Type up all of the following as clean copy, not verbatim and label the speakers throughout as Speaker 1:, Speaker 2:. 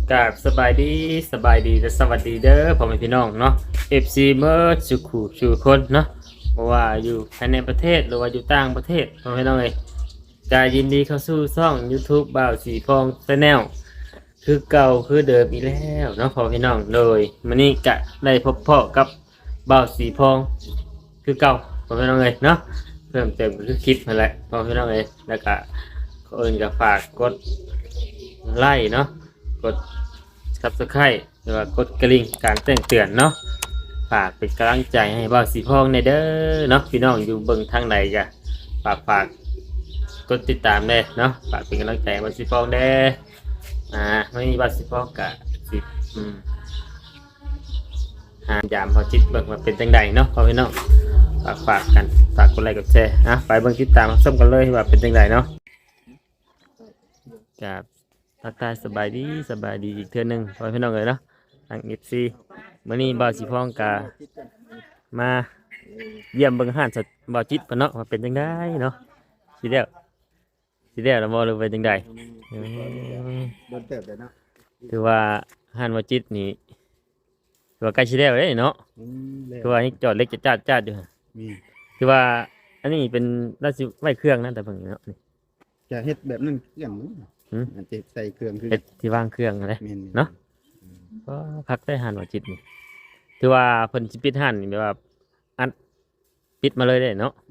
Speaker 1: กราบสบายดีและสวัสดีเด้อพ่อแม่พี่น้องเนาะ FC เมื่อสุขุชูคนเนาะบ่ว่าอยู่ภายในประเทศหรือว่าอยู่ต่างประเทศพ่อแม่พี่น้องเอ้ยก็ยินดีเข้าสู่ช่อง YouTube บ่าวสีพอง Channel คือเก่าคือเดิมอีกแล้วเนาะพ่อแม่พี่น้องโดยมื้อนี้ก็ได้พบพ่อกับบ่าวสีพองคือเก่าพ่อแม่พี่น้องเอ้ยเนาะเพิ่มเติมก็คือคลิปนั่นแหละพ่อแม่พี่น้องเอ้ยแล้วก็คนอื่นก็ฝากกดไลค์เนาะกด Subscribe หรือว่ากดกระดิ่งการแจ้งเตือนเนาะฝากเป็นกำลังใจให้บ่าวสีพองในเด้อเนาะพี่น้องอยู่เบิ่งทางไหนก็ฝากกดติดตามเด้เนาะฝากเป็นกำลังใจให้บ่าวสีพองเด้ไม่มีบ่าวสีพองก็สิหายามพอจิตเบิ่งว่าเป็นจังใดเนาะพ่อพี่น้องฝากกันฝากกดไลค์กดแชร์ไปเบิ่งติดตามส้มกันเลยว่าเป็นจังใดเนาะกับทักทายสบายดีอีกเทื่อนึงพ่อพี่น้องเลยเนาะทาง FC มื้อนี้บ่าวสีพองกะมาเยี่ยมเบิ่งอาหารสัตว์บ่าวจิตเพิ่นเนาะว่าเป็นจังไดเนาะสิแล้วแล้วบ่รู้เป็นจังได
Speaker 2: โดนเติบเลยเนาะ
Speaker 1: ถือว่าอาหารบ่าวจิตนี่ถือว่าใกล้สิแล้วเด้เนาะถือว่ายังจอดเล็กจะจาดอยู่ถือว่าอันนี้เป็นราชไว้เครื่องนะแต่เพิ่นเนาะนี่
Speaker 2: จะเฮ็ดแบบนั้นเครื่องอาจจะใส่เครื่องคือ
Speaker 1: เฮ็ดที่วางเครื่องอะไรเนาะก็พักได้อาหารบ่าวจิตนี่ถือว่าเพิ่นสิปิดห้านนี่แบบว่าอันปิดมาเลยได้เนาะ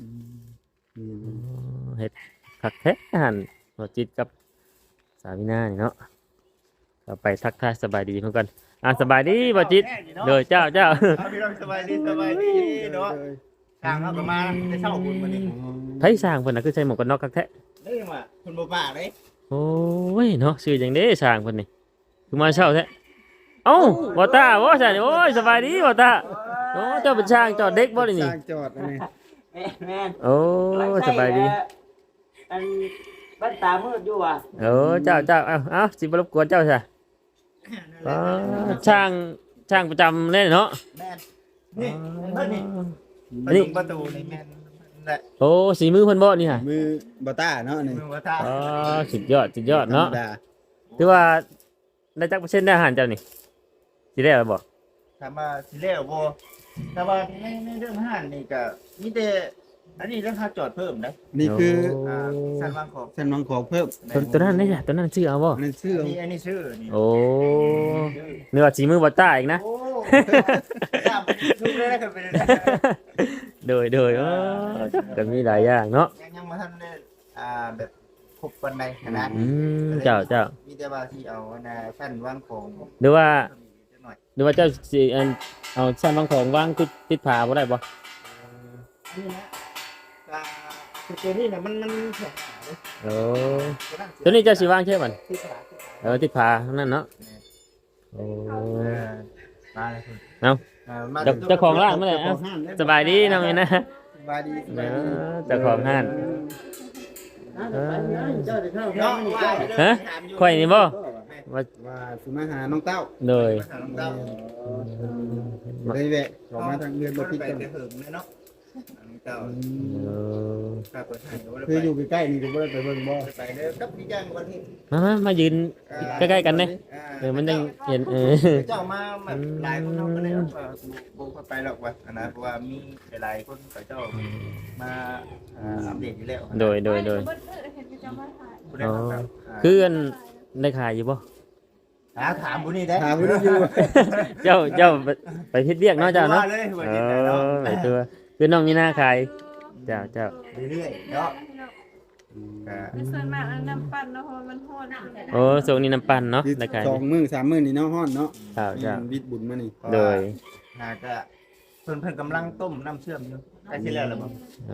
Speaker 1: เฮ็ดพักแท้อาหารบ่าวจิตกับสาวินานี่เนาะเราไปทักทายสบายดีเพิ่นกันสบายดีบ่าวจิตเด้อเจ้า
Speaker 3: พี่น้องสบายดีเนาะทางเขาก็มาได้เช่าคุณมื้อนี้
Speaker 1: ไผสร้างเพิ่นน่ะคือใส่หมวกกันน็อกคักแท้
Speaker 3: นี่ว่าเพิ่นบ่ปากเด้
Speaker 1: โอ้ยเนาะชื่อจังเด้สร้างเพิ่นนี่คือมาเช่าแท้เอ้าบ่ตาบ่ใช่โอ้ยสบายดีบ่ตาโอ้เจ้าเป็นช่างจอดเด็กบ่นี่
Speaker 2: สร้างจอดนี่
Speaker 3: แม่น
Speaker 1: โอ้สบายดี
Speaker 3: อันบ้านตามืดอยู่ว่ะ
Speaker 1: เจ้าเอาสิบ่รบกวนเจ้าซะช่างประจำเล่นเนาะ
Speaker 3: แม่นนี่เพิ่นนี่ประตูนี่แม่นแหละ
Speaker 1: โอ้สีมือเพิ่นบ่นี่ฮะ
Speaker 2: มือบ่ต้าเนาะนี่
Speaker 3: มือบ่ตา
Speaker 1: สุดยอดเนาะถือว่าได้จักเปอร์เซ็นต์ได้อาหารเจ้านี่สิได้บ่
Speaker 3: ถามว่าสิแล้วบ่แต่ว่าในเรื่องอาหารนี่ก็มีแต่อันนี้เรื่องค่าจอดเพิ่มนะ
Speaker 2: นี่คือ
Speaker 3: สันวางของ
Speaker 2: เพิ่ม
Speaker 1: ตัวนั้นได้จ้ะตัวนั้นชื่อเอาบ่
Speaker 2: อันนี้ชื่อ
Speaker 3: อันนี้ชื่อนี่
Speaker 1: โอ้เนื้อสีมือบ่ต้าอีกนะ
Speaker 3: โอ้ทุกเรื่องก็เป็น
Speaker 1: โดยก็มีหลายอย่างเนาะ
Speaker 3: ยังมาทันได้แบบครบปานใดนะ
Speaker 1: เจ้า
Speaker 3: มีแต่ว่าที่เอาชั้นวางของ
Speaker 1: หรือว่าเจ้าสิเอาชั้นวางของวางติดผาบ่ได้บ่
Speaker 3: นี่นะตัวนี้นะมัน
Speaker 1: โอ้ตัวนี้เจ้าสิวางใช่มั้ยติดผาทั้งนั้นเนาะโอ้
Speaker 3: มาเลย
Speaker 1: เอาเจ้าของร้านเมื่อไหร่สบายดีน้องนี่นะ
Speaker 3: สบายดี
Speaker 1: เจ้าของห้านฮะข่อยนี่บ่
Speaker 2: ว่าสิมาหาน้องเต้า
Speaker 1: เลย
Speaker 2: แวะขอมาทางเรือนบ่คิดกัน
Speaker 3: เนาะ
Speaker 2: คืออยู่ใกล้ๆนี่ก็บ่ได้ไปเบิ่งบ่
Speaker 3: ไปเด้อกับพี่แจ้งวันที่
Speaker 1: มายืนใกล้ๆกันเด้มันยังเห็น
Speaker 3: เจ้ามาแบบหลายคนเฮาก็ได้บ่ไปหรอกว่านะเพราะว่ามีหลายคนเขาเจ้ามาอัปเดตอยู่แล้ว
Speaker 1: โดยคืออันได้ขายอยู่บ่
Speaker 3: ถามผู้นี้ได้
Speaker 2: ถามผู้นี้อยู่
Speaker 1: เจ้าไปเฮ็ดเวียกเนาะเจ้าเนาะไปตัวคือน้องมีหน้าขายเจ้า
Speaker 3: เรื่อยๆเนาะ
Speaker 4: ส่วนมากน้ำปั่นเนาะเพราะมันฮ้อน
Speaker 1: โอ้ส่งนี่น้ำปั่นเนาะได้ขาย
Speaker 2: 2 มื้อ 3 มื้อนี่เนาะฮ้อนเนาะ
Speaker 1: จ้า
Speaker 2: บิดบุญมานี่
Speaker 1: โดย
Speaker 3: ก็เพิ่นกำลังต้มน้ำเชื่อมอยู่ใกล้สิแล้วล่ะบ่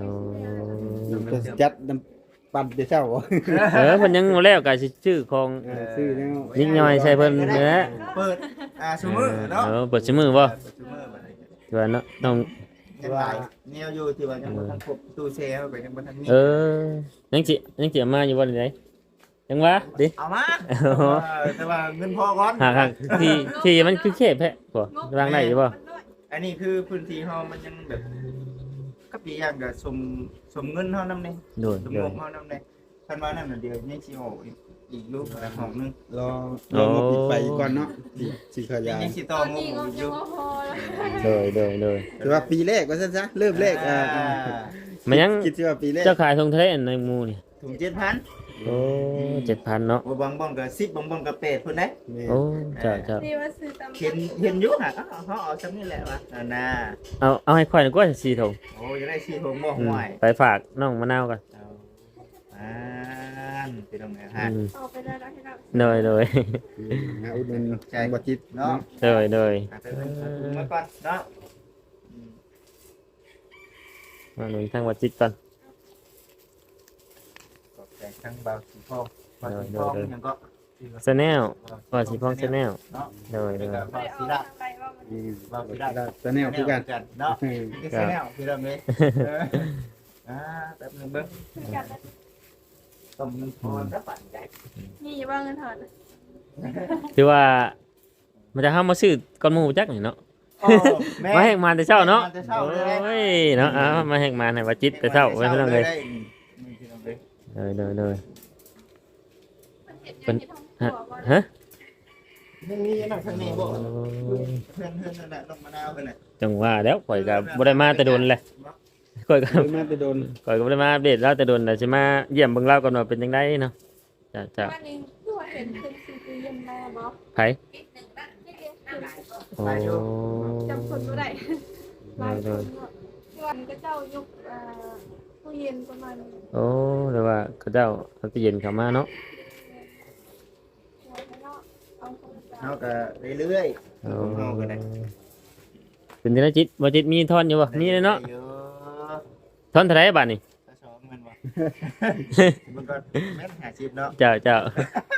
Speaker 2: จัดน้ำปั่นเดี๋ยวเช้า
Speaker 1: เพิ่นยังบ่แล้วก็สิชื่อของ
Speaker 2: ชื่อแล้ว
Speaker 1: นิดหน่อยใช่เพิ่นนะ
Speaker 3: เปิดซุมื้อเนาะ
Speaker 1: เปิดซุมื้อบ่ตัวเนาะต้อง
Speaker 3: ว่าแนวอยู่ที่ว่ายังบ่ทันครบตู้แช่เข้าไปยังบ่ทันมี
Speaker 1: ยังสิเอามาอยู่บ่ได้ยังวะดิ
Speaker 3: เอามาแต่ว่าเงินพอก่อน
Speaker 1: หาที่มันคือเขตแท้บ่วางได้อยู่บ่
Speaker 3: อันนี้คือพื้นที่เฮามันยังแบบกับอีกอย่างก็สมเงินเฮานำนี่สมงบเฮานำนี่คันว่านั่นน่ะเดี๋ยวยังสิออกอีอีกลูกห้องนึง
Speaker 2: รอมาปิดไปก่อนเนาะสิขยาย
Speaker 3: ยังสิต่อ
Speaker 4: ตอน
Speaker 3: ง
Speaker 4: นี้
Speaker 3: บ
Speaker 4: ก็
Speaker 3: อ
Speaker 4: จะ
Speaker 3: ยู่
Speaker 4: ว่าพอแล้ว
Speaker 1: เลย
Speaker 2: ถือว่าปีแรกว่าซั่นซะเริ่มแรก
Speaker 1: มันยัง
Speaker 2: คิดว่าปีแรก
Speaker 1: เจ้าขายทงทะเลในหมู่นี่
Speaker 3: ถุง7,000
Speaker 1: โอ้7,000เนาะ
Speaker 3: บางบ่อนก็10บางบ่อนก็8พุ่นได้
Speaker 1: โอ้เจ้า
Speaker 4: นี่ว่าซื้อตาม
Speaker 3: เห็นอยู่ฮะเขาเอาซ้ำนี่แหละวะน่ะ
Speaker 1: เอาให้ค่อยหน่อยกว่า4ถุง
Speaker 3: โอ้จะได้4ถุงบ่ห่วย
Speaker 1: ไปฝากน้องมะนาวกัน
Speaker 3: ไปตรงไหนฮะ
Speaker 4: ออกไปได้แล้วให้เรา
Speaker 1: เลย
Speaker 2: นะอุดหนุนบ่จิต
Speaker 3: เนาะ
Speaker 1: เลย
Speaker 3: ไปเป็นถุงมาก่อนเนาะ
Speaker 1: มาหนุนทางวัดจิตก่อน
Speaker 3: ขอบใจทั้งเบาสีทองเบาสีทองยังก็
Speaker 1: ชาแนลว่าสิพ้องชาแนล
Speaker 3: เนาะ
Speaker 1: เลย
Speaker 3: แล้วก็
Speaker 4: ไม่
Speaker 3: เบา
Speaker 4: ได้อ
Speaker 3: สี
Speaker 4: อก
Speaker 3: ดา
Speaker 4: ทางใดว่ามัน
Speaker 3: เบาสีดา
Speaker 2: ตะแนวคือกัน
Speaker 3: เนาะนี่คือแนวพี่เราเลยแป๊บนึงเบิ้ง
Speaker 4: คือกันนะ
Speaker 3: ต้องมีพรสักปันใจ
Speaker 4: นี่อย่าว่าเงินถอน
Speaker 1: คือว่ามันจะเข้ามาซื้อก้อนหมูจักนี่เนาะมาแหกมาแต่เช้าเนาะโอ้ยเนาะมาแหกมาให้วัดจิตแต่เช้าไว้เพิ่นเลยเลย
Speaker 4: เป็น
Speaker 1: ฮะ
Speaker 3: ยังมีนั่งข้างนี้บ่เพื่อนนั่นแหละลงมะนาวกันน่ะ
Speaker 1: จังว่าแล้วข่อยก็บ่ได้มาแต่โดนเลยข่อยก็
Speaker 2: มาไปโดน
Speaker 1: ข่อยก็บ่ได้มาอัปเดตเราแต่โดนแต่สิมาเยี่ยมเบิ่งเราก่อนว่าเป็นจังไดเนาะจ้า
Speaker 4: วันนี้ตัวเห็นเป็นซีซีเย็นมาบอก
Speaker 1: ไผโอ้
Speaker 4: จำคนไม่ได้หลายคนวันก็เจ้ายกตู้เย็นประมาณ
Speaker 1: โอ้แต่ว่าเขาเจ้าเอาตู้เย็นเข้ามาเนาะ
Speaker 3: เฮาก็เรื่อย
Speaker 1: โอ้
Speaker 3: ๆเฮาก็ได้
Speaker 1: เป็นจังไดจิตบ่จิตมีทอนอยู่บ่มีเลยเนาะทอนเท่าไหร่บาดนี้
Speaker 3: ถ้าชอบมันบ่มันก็แม่น50เนาะ
Speaker 1: เจ้า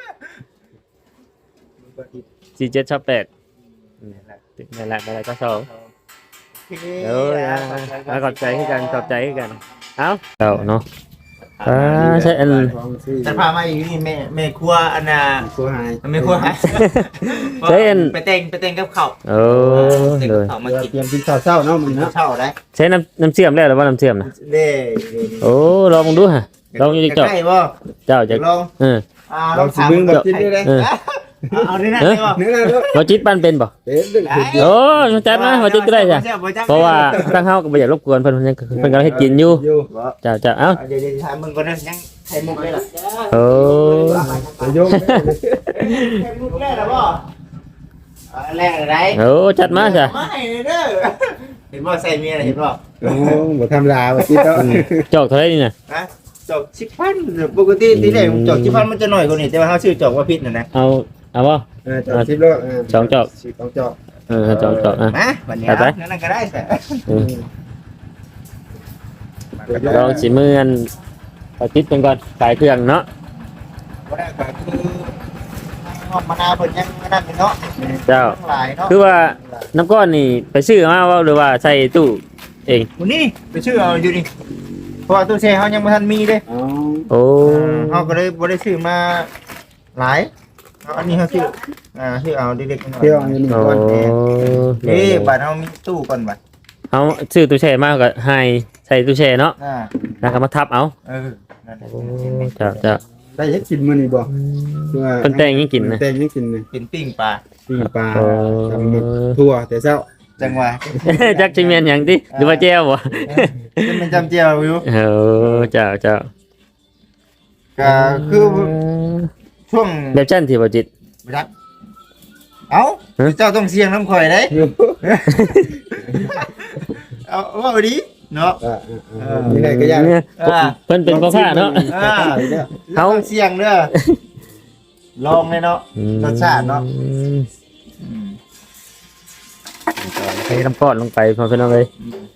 Speaker 3: มันก็อีก
Speaker 1: 47ชอบ8
Speaker 3: นั่นแหละ
Speaker 1: นั่นแหละก็สอง
Speaker 3: โอเค
Speaker 1: เอ้ยขอบใจคือกันเอ้าเจ้าเนาะใช่อัน
Speaker 2: ของซื้อ
Speaker 3: ฉันพามาอยู่นี่แม่ครัวอันน่ะ
Speaker 2: ครัวหาย
Speaker 3: แม่ครัวหา
Speaker 1: ใช่อัน
Speaker 3: ไปเต็งกับข้าว
Speaker 1: โอ้
Speaker 3: เต็ง
Speaker 1: เล
Speaker 3: กับ
Speaker 1: ย
Speaker 3: ข้าวมากิน
Speaker 2: เตรียมกินข้าวเช้าเนาะมื้อเนาะ
Speaker 3: เช่าได้
Speaker 1: ใช้น้ำเชื่อมแล้วหรือว่าน้ำเชื่อมนะ
Speaker 3: เด้
Speaker 1: โอ้ลองดูฮะลองอยู่ดิเจ้า
Speaker 3: ใกล้บ่
Speaker 1: เจ้าจะ
Speaker 3: ลอง
Speaker 1: เออ
Speaker 2: เราสิเบิ่งบ่จิตได้
Speaker 1: เออ
Speaker 3: เอานี่นะได้บ่
Speaker 2: เนื้อเนาะ
Speaker 1: บ่จิตปั้นเป็นบ่
Speaker 2: เป็นดึก
Speaker 1: โอ้จัดมาบ่จิตก็ได้จ้ะเพราะว่าตั้งเฮาก็บ่อยากรบกวนเพิ่นเพิ่นกำลังเฮ็ดกินอยู่
Speaker 2: อยู่
Speaker 1: เจ้าเอ้า
Speaker 3: เดี๋ยวถามมึงก่อนนะยังไข่มุกได้ล่ะ
Speaker 1: โอ้
Speaker 2: โยม
Speaker 3: ไข่มุกได้ล่ะบ่แรกอะไร
Speaker 1: โอ้จัดมาจ้ะ
Speaker 3: มาให้เด้อเห็นบ่ใส่เมียเห็นบ่
Speaker 2: โอ้บ่ธรรมดาว่าจิตเนาะ
Speaker 1: จอกเท่าไหร่นี่น่ะ
Speaker 3: ฮะจอก10,000ปกติทีแรกจอก10,000มันจะน้อยกว่านี้แต่ว่าเฮาซื้อจอกว่าผิดน่ะนะ
Speaker 1: เอาบ่
Speaker 2: จอก10โล
Speaker 1: สองจอก
Speaker 2: สองจอก
Speaker 1: จอกอ่ะ
Speaker 3: มาบัดนี้นั่นก็ได้แต่
Speaker 1: ลองสิมื้ออันเอาจิตเพิ่นก่อนขายเครื่องเนาะ
Speaker 3: บ่ได้ก็คือมะนาวเพิ่นยังนั่นเนาะ
Speaker 1: เจ้า
Speaker 3: หลายเนาะ
Speaker 1: คือว่าน้ำก้อนนี่ไปซื้อมาว่าหรือว่าใส่ตู้เอง
Speaker 3: วันนี้ไปชื่อเอาอยู่นี่เพราะว่าตู้แช่เขายังไม่ทันมีเลย
Speaker 2: อ๋อ
Speaker 1: โอ้
Speaker 3: เขาก็เลยบ่ได้ซื้อมาหลายเอาอันนี้เขาซื้อซื้อเอาเด็กๆหน่อย
Speaker 2: เที่ยวอยู่นี่
Speaker 1: โอ้
Speaker 2: ก่อน
Speaker 3: บัตรเขามีตู้ก่อนบัตร
Speaker 1: เอาซื้อตู้แช่มาก็ให้ใส่ตู้แช่เนาะ แล้วก็มาทับเอา
Speaker 3: นั่นแหละ
Speaker 1: โอ้เจ้า
Speaker 2: ได้เฮ็ดกินมื้อนี้บ่คือว่า
Speaker 1: เพิ่นแต่งยังกินนะ
Speaker 2: แต่งยังกินนะ
Speaker 3: เป็นปิ้งปลา
Speaker 2: ปิ้งปลา
Speaker 1: โอ้
Speaker 2: ทำหมึกทั่วแต่เช้า
Speaker 3: จังหวะ
Speaker 1: จักสิแม่นหยังติหรือว่าแจ่วบ่
Speaker 3: เป็นจำเจียวอยู่
Speaker 1: โอ้เจ้า
Speaker 3: ก็คือช่วง
Speaker 1: แบบจันที่บ่จิต
Speaker 3: รักเอ้าเจ้าต้องเสี่ยงน้ำข่อยได้เอาว่าดีเนาะ
Speaker 2: นี่ได้ก็ยาก
Speaker 1: เนี่ยเพิ่นเป็นพ่อค้าเนาะ
Speaker 3: เขาเสี่ยงเด้อลองเลยเนาะรสชาติเนาะ
Speaker 1: ให้น้ำก้อนลงไปพอเพิ่นเอาเลย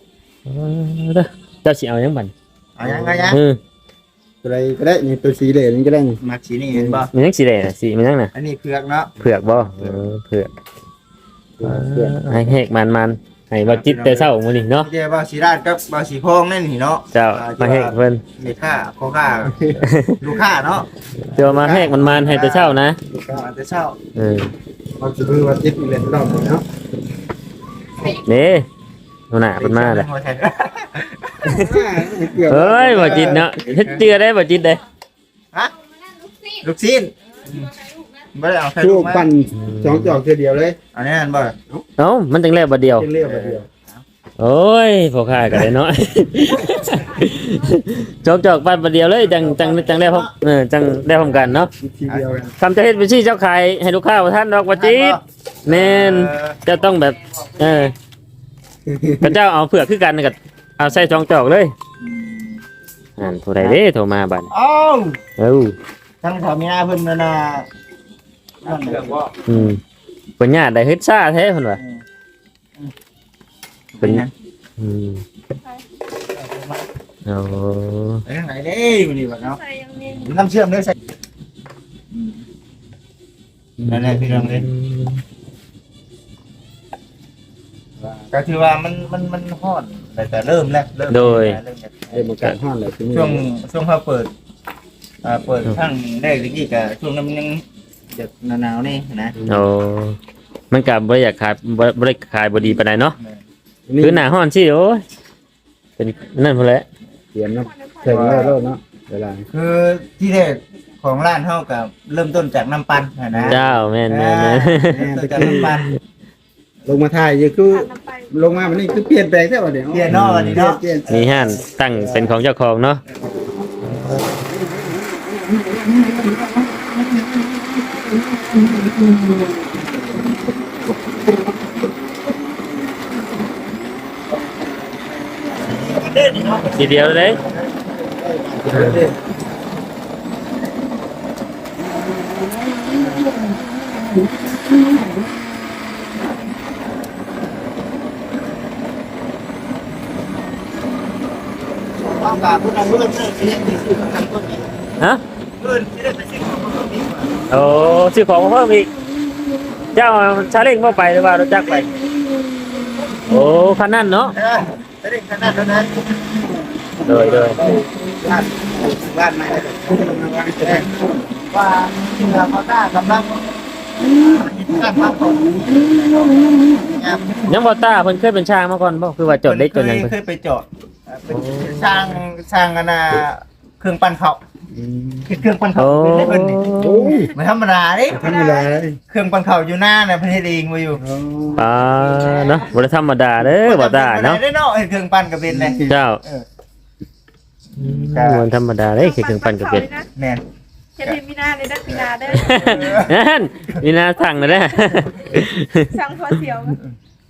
Speaker 1: เจ้าสิเอาหยังบัด
Speaker 3: เอายัง
Speaker 2: อะไรก็ได้นี่ตัวสีเหลืองนี่ก็ได้นี่
Speaker 3: มาสีนี่เห็นบ่
Speaker 1: มันยังสิได้น่ะสิมันยังน่ะ
Speaker 3: อันนี้เผือกเนาะ
Speaker 1: เผือกบ่เผือกให้เฮกมันให้บ่จิตแต่เช้ามื้อนี้เนาะ
Speaker 3: เดี๋ยวบ่าวสีราดกับ่าวสีพองนั่นนี่เนาะ
Speaker 1: เจ้ามาเฮกเพิ่น
Speaker 3: มีค่าโคค่าลูกค้าเนาะ
Speaker 1: เดี๋ยวมาเฮกมันให้แต่เช้านะ
Speaker 3: มาแต่เช้า
Speaker 2: เอาสิมือว่าจิตอีกแล้วรอบนึงเนาะ
Speaker 1: นี่หัวหน้าเพิ่นมาเลย
Speaker 2: เกือบ
Speaker 1: เฮ้ยบ่จิตเนาะเฮ็ดเจือได้บ่จิตเด้
Speaker 3: ฮะลูกชิ้นไม่ได้เอาใคร
Speaker 2: ชู
Speaker 3: ลูกมา
Speaker 2: ปั่นสองจอกเดียวเลย
Speaker 3: อันนี้อันบ่
Speaker 1: เอ้ามันจังแล้วบัดเดียว
Speaker 2: เรียบเดียว
Speaker 1: โอ้ยพอค่ากันเลยเนาะ จอกปันประเดียวเลยจังได้พร้อมจังได้พร้อมกันเนาะ
Speaker 2: ทีเดียวกัน
Speaker 1: คำจะเฮ็ดเป็นชื่อเจ้าขายให้ลูกค้าว่าท่านดอกว่าจีดแม่นจะต้องแบบพระเจ้าเอาเผือกคือกันกับเอาใส่จองจอกเลยผู้ใดเด้โทรมาบัด
Speaker 3: เอ้า
Speaker 1: เอ้า
Speaker 3: ทั้งสามีเพิ่นนั่นน่ะนั่นเรื่องว่า
Speaker 1: เพิ่นญาติได้เฮ็ดซ่าแท้เพิ่นว่า
Speaker 3: เป็นยัง
Speaker 1: โอ้
Speaker 3: ไปทางไหนเด้มื้อนี้บัดเนาะ
Speaker 4: ใส่ยังมี
Speaker 3: น้ำเชื่อมเด้อใส่นั่นแหละพี่น้องเอ้ยก็คือว่ามันฮ้อนแต่เริ่มแล้ว
Speaker 2: เริ่มมาการห้อนเลย
Speaker 3: ช่วงเขาเปิดทั้งแรกตะกี้ก็ช่วงนั้นมันยังจะหนาวๆนี่นะ
Speaker 1: โอ้มันก็บ่อยากขายบ่ได้ขายบ่ดีปานใดเนาะคือหน้าร้อนสิโอ้ยเป็นนั่นพุ่นแหละ
Speaker 2: เตรียมนะเถิงแล้วเนาะเวลา
Speaker 3: คือที่แรกของร้านเฮากับเริ่มต้นจากน้ำปั่นนะ
Speaker 1: เจ้าแม่น
Speaker 3: เริ่มต้นจากน้ำปั่น
Speaker 2: ลงมาถ่ายคือ
Speaker 4: ผ่านน้ำไป
Speaker 2: ลงมาวันนี้คือเปลี่ยนแปลงแท้ว่าเดี๋ยว
Speaker 3: เปลี่ยนเนาะวันนี้เนาะ
Speaker 2: เปลี่ยน
Speaker 1: มีห้านตั้งเป็นของเจ้าของเนาะ
Speaker 3: เด่นเนาะ
Speaker 1: ทีเดียวเลย
Speaker 3: ต้องการผู้นำเพื่อนที่ได้ไปซื้อของต้นนี้
Speaker 1: ฮะ
Speaker 3: เพื่อนที่ได้ไปซื้อของต้นนี้
Speaker 1: โอ้ซื้อของมาเพิ่มอีกเจ้าชาเล้งเข้าไปหรือว่ารถจักรไปโอ้คันนั้นเนาะ
Speaker 3: จะได้ขนาดนั้น
Speaker 1: เลย
Speaker 3: บ้านใหม่ว่าที่เราเขาได้กำลังการพักผ่อน
Speaker 1: ยังบ่ตาเพิ่นเคยเป็นช่างมาก่อนบ่คือว่าจดเล็กจดหยัง
Speaker 3: เคยไปจอดเป็นช่างกันนะเครื่องปั้นเขาเครื่องปั้นเขาเป็นเพิ่นนี่
Speaker 2: โอ้ย
Speaker 3: ไม่ธรรมดาดิ
Speaker 2: ธรรมดาเลย
Speaker 3: เครื่องปั้นเขาอยู่หน้าน่ะเพิ่นเฮ็ดเองมาอยู่
Speaker 1: เนาะบ่ได้ธรรมดาเด้อบ่ตาเนาะ
Speaker 3: ได้เนาะเครื่องปั้นก็เป็นเลย
Speaker 1: เจ้ามันธรรมดาเด้คือเครื่องปั่นก็เป็น
Speaker 3: แม่น
Speaker 4: เฮ็ดให้มีนาเลยนะมีนาเด้อ
Speaker 1: นั่นมีนาสั่งนะเด้อ
Speaker 4: สั่งพอเสียวมั้ย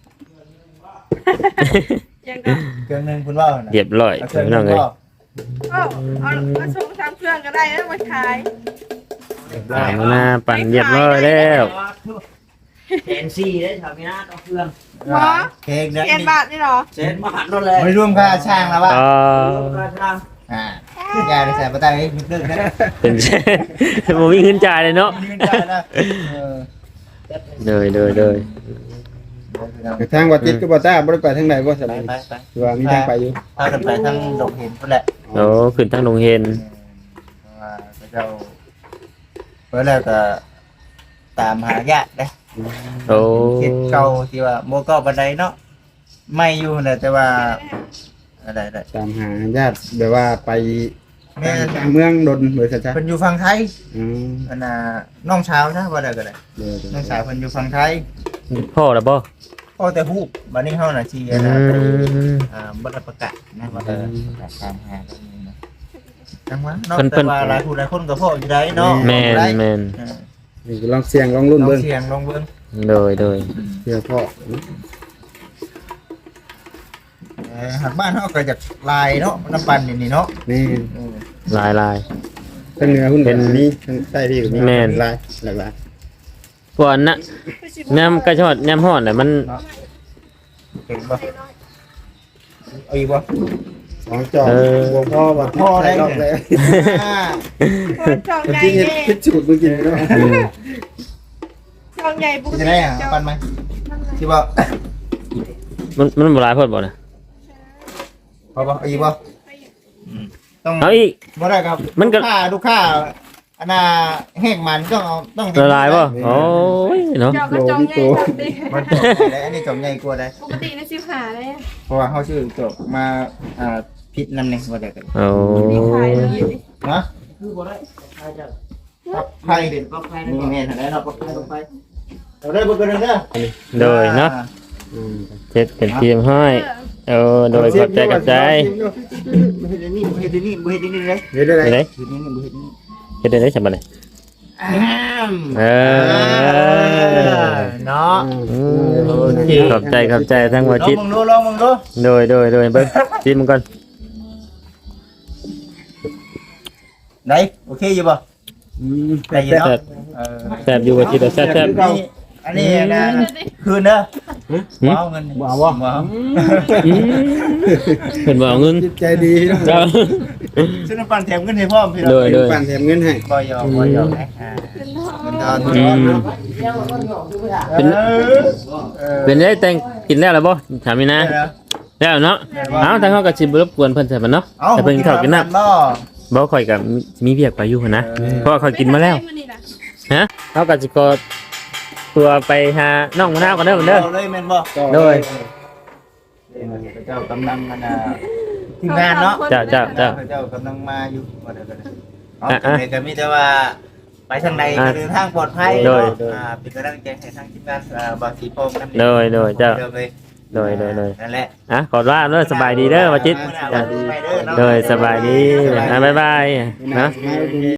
Speaker 4: ยังก็
Speaker 3: เครื่องนึงคุณว่าน่ะ
Speaker 1: เรียบร้อย
Speaker 3: เครื่อง
Speaker 1: พี่น้อง
Speaker 3: นึ
Speaker 1: เอ้
Speaker 3: ง
Speaker 1: ย
Speaker 3: ก็
Speaker 4: เอามาส่งทางเครื่องก็ได้แล้วมาขาย
Speaker 1: มีนาปั่นเรียบร้อยแล้ว
Speaker 5: เอ็นซีได้ทำไม่น่าต้องเครื่อง
Speaker 4: หรอ
Speaker 3: เค้กเด้อ
Speaker 4: เจ็ดบาทนี่หรอ
Speaker 5: เซ็นมาหันรถเลย
Speaker 3: ไม่รวมค่าช่างแล้วว่า
Speaker 1: อ๋อ
Speaker 5: ราคา
Speaker 3: อย่าได้ใส่ปะไตให้ดึกนะ
Speaker 1: เป็น บ่มีเงินจ่ายเลยเนาะ
Speaker 3: ยืนได้นะ
Speaker 1: เลย
Speaker 2: ทางวัดจิตก็บ่ต้าบ่ได้ไปทางไหนบ่สบาย
Speaker 3: ไป
Speaker 2: คือว่ามีทางไปอยู่
Speaker 3: พากันไปทั้งดงเห็นพุ่นแหละ
Speaker 1: โอ้ขึ้นทางโรงเรียน
Speaker 3: ว่าเจ้าเพื่อแล้วก็ตามหาญาติเด้
Speaker 1: โอ้
Speaker 3: คิดเก่าที่ว่าโมก็บันไดเนาะไม่อยู่นะแต่ว่าอะไร
Speaker 2: ตามหาญาติแบบว่าไป
Speaker 3: แม่
Speaker 2: ทางเมืองดนเบอร์ซะจ้ะ
Speaker 3: เพิ่นอยู่ฝั่งไทย
Speaker 2: อืม
Speaker 3: อันน่ะน้องสาวนะว่าได้ก็ได้
Speaker 2: เดี๋ยว
Speaker 3: น้องสาวเพิ่นอยู่ฝั่งไทย
Speaker 1: พ่อแล้วบ่
Speaker 3: พ่อแต่ฮู้บัดนี้เฮาน่ะสิ
Speaker 1: อื
Speaker 3: นะไป
Speaker 1: ม
Speaker 3: บ่ได้ประกาศนะว่าตามหาตรงนี้นะจังหวะเนาะ
Speaker 1: เพิ่น
Speaker 3: แต่ว่าหลายผู้หลายคนก็พ่ออยู่ได้เนาะ
Speaker 1: แม่น
Speaker 2: นี่ลองเสียงลองรุ่น
Speaker 3: ลอง
Speaker 2: เบิ่ง
Speaker 3: เสียงลองเบิ่ง
Speaker 1: โดย
Speaker 2: เพื่อพ่อ
Speaker 3: หากบ้านเฮาก็จากลายเนาะน้ำปั่นนี่เนาะ
Speaker 2: นี่
Speaker 1: ลาย
Speaker 2: ทางเหนือหุ้น
Speaker 1: เป็
Speaker 2: เป็น นนี้ทางใต้ที่อยู่นี่
Speaker 1: แม่น
Speaker 2: ลายหลาก
Speaker 1: พวกนั้นน่ะน้ำกระชอดน้ำฮ้อนน่ะมัน
Speaker 3: เก่งบ่เอาอีกบ่
Speaker 2: ๆสองจอกบ่พ่อบ่พ่อได้รอบเลย
Speaker 4: คนจองใหญ่
Speaker 2: จริงๆ
Speaker 4: เด้
Speaker 2: คิดสูตรเมื่อกี้เนาะ
Speaker 4: จองใหญ่ปก
Speaker 3: จะ
Speaker 4: ติ
Speaker 3: ได้อ่ะปั่นไหมที่บ่
Speaker 1: มันบ่หลายพอดบ่น่ะ
Speaker 3: พอบ่เอาอีกบ่ต้อง
Speaker 1: เอาอีก
Speaker 3: บ่ได้ครับ
Speaker 1: มันก็
Speaker 3: ลูกค้าอันน่ะแห้งมันต้องเอาต้อง
Speaker 1: ละลายบ่โอ้ยเนาะ
Speaker 4: จองก็จองใหญ่จองเด้
Speaker 3: มันจบได้อันนี้จบใหญ่กว่าได้
Speaker 4: ปกตินะ15เลย
Speaker 3: เพราะว่าเฮาซื้อจบมาพิษนำนี่บ่ได้กัน
Speaker 1: โอ้
Speaker 4: มีขายเลย
Speaker 3: ฮะ
Speaker 5: คือบ่ได้ใครจะ
Speaker 4: พ
Speaker 3: ไข่เด่นก็ไข่นี่แม่ทางไหนเราก็ไข่ลงไปเราได้บ่เกินเด้อ
Speaker 1: โดยเนาะเจ็ดเป็นทีมให้โดยขอบใจกับใจ
Speaker 3: บ่เฮ็ดนี่บ่เฮ็ดนี่บ่เฮ็ดนี่เลย
Speaker 2: เฮ็ดได้
Speaker 1: เฮ็ด
Speaker 2: ไร
Speaker 1: ได้
Speaker 3: เฮ็ดนี่บ่เฮ็ดนี่
Speaker 1: เฮ็ดได้ฉบับไหน
Speaker 3: เนาะ
Speaker 1: ขอบใจทั้งหัวจิต
Speaker 3: ลองมึงดู
Speaker 1: โดยเบิ่งชิมมันก่อน
Speaker 3: ได้โอเคอยู่บ่ได้อยู่เนาะ
Speaker 1: แซ่บอยู่หัวจิตแซ่บ
Speaker 3: อันนี้นะคืนเด้อบ่เอาเงินบ่เอาบ่เอา
Speaker 1: เพิ่นบ่เอาเงิน
Speaker 2: จิตใจดี
Speaker 1: เจ้า
Speaker 3: ซื้อน้ำปั่นแถมเงินให้พ่อมพี่น้อง
Speaker 1: โดย
Speaker 2: ปั่นแถมเงินให้
Speaker 3: บ่ยอมนะเงินทอน
Speaker 1: เป็นได้แต่งกินแล้วล่ะบ่ถามมีนะแล้วเนาะเอ้าทางเฮาก็สิบ่รบกวนเพิ่นใช่บ่เนาะแต่เพิ่นเข้ากินน้ำบ่ค่อยก็มีเวียกไปอยู่หั่นนะเพราะว่าค่อยกินมาแล้วฮะเฮาก็สิก็ตัวไปหาน้องมะนาวกันเด้อเด้อ
Speaker 3: เลยแม่นบ่
Speaker 1: โดย
Speaker 3: เจ้ากำลังมันทีมงานเนาะ
Speaker 1: เจ้า
Speaker 3: เจ้ากำลังมาอยู่บ่ได้ก็ได้อ๋อก็มีแต่ว่าไปทางใดก็เดินทางปลอดภัยเป็นกำลังใจให้ทางทีมงานบางสีพงนำ
Speaker 1: โดยเจ้าโดย
Speaker 3: นั่นแหละ
Speaker 1: ขอว่าเด้อสบายดีเด้อว่าจิตโดยสบายดีบ๊ายบายนะ